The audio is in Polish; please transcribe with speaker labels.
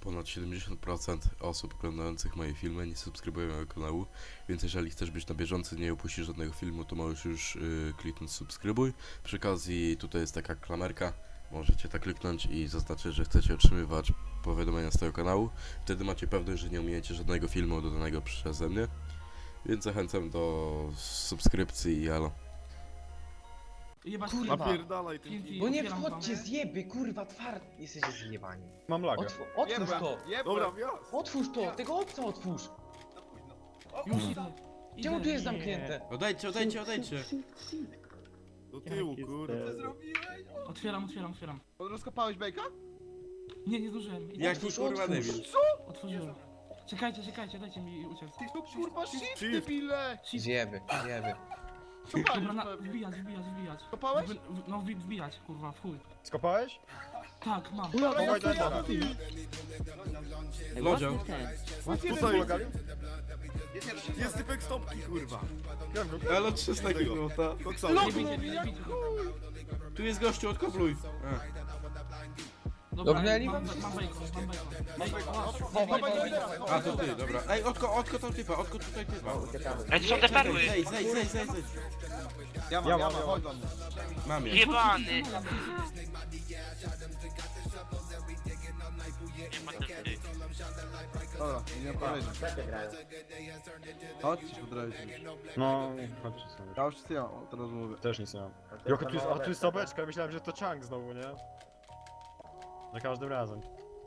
Speaker 1: ponad 70% osób oglądających moje filmy nie subskrybują mojego kanału, więc jeżeli chcesz być na bieżąco i nie opuścić żadnego filmu, to możesz już kliknąć subskrybuj. Przy okazji tutaj jest taka klamerka, możecie tak kliknąć i zaznaczyć, że chcecie otrzymywać powiadomienia z tego kanału. Wtedy macie pewność, że nie ominiecie żadnego filmu dodanego przeze mnie, więc zachęcam do subskrypcji i alo.
Speaker 2: Jebać
Speaker 3: Kurwa.
Speaker 4: Napierdalaj ten
Speaker 2: TNT,
Speaker 4: kij.
Speaker 3: Bo nie
Speaker 2: otwieram
Speaker 3: wchodźcie,
Speaker 2: wam.
Speaker 3: zjeby, kurwa, tward. Jesteście zjebani.
Speaker 4: Mam lagę.
Speaker 3: Otwórz to!
Speaker 4: Dobra, wjazd.
Speaker 3: Otwórz to! Tego obca otwórz!
Speaker 2: Już idę.
Speaker 3: Czemu
Speaker 2: Idę.
Speaker 3: tu jest zamknięte?
Speaker 1: Odejdźcie.
Speaker 4: Do tyłu, kurwa.
Speaker 2: Otwieram.
Speaker 5: Rozkopałeś bejka?
Speaker 2: Nie zdążyłem. Idę.
Speaker 1: Jaki kurwa debil.
Speaker 2: Otworzyłem. Czekajcie, dajcie mi uciec.
Speaker 5: Ty to kurwa shit,
Speaker 4: Shift.
Speaker 5: debile!
Speaker 2: Shift.
Speaker 3: Zjeby, zjeby.
Speaker 2: Dobra,
Speaker 5: Kopałeś pewnie.
Speaker 2: wbijać.
Speaker 5: Kopałeś?
Speaker 2: No wbijać, kurwa, w chuj.
Speaker 4: Skopałeś?
Speaker 2: Tak, mam.
Speaker 4: Dawaj, dawaj.
Speaker 1: Lodzio.
Speaker 4: Tutaj ulegali? Jest typek stopki, kurwa.
Speaker 1: Elo 300 minuta.
Speaker 4: Koksowy.
Speaker 2: Nie bijcie.
Speaker 1: Tu jest gościu, odkopluj.
Speaker 2: Dobra,
Speaker 3: Dobrnęli
Speaker 2: mam
Speaker 3: wam?
Speaker 2: bacon.
Speaker 1: A to ty, dobra. Ej, odko tam typa, odko tutaj typa.
Speaker 6: Ej, to są te perły!
Speaker 1: Zejdź.
Speaker 4: Ja mam. Chodź do mnie.
Speaker 1: Mam je.
Speaker 6: Jebany! Nie ma ten ty.
Speaker 5: Dobra, nie powiedzieć. Chodź, podrabić.
Speaker 4: No, chodźcie sobie.
Speaker 5: Ja już ja teraz mówię.
Speaker 4: Też nic nie mam. Joko, tu jest sobeczka, myślałem, że to chunk znowu, nie? Za każdym razem.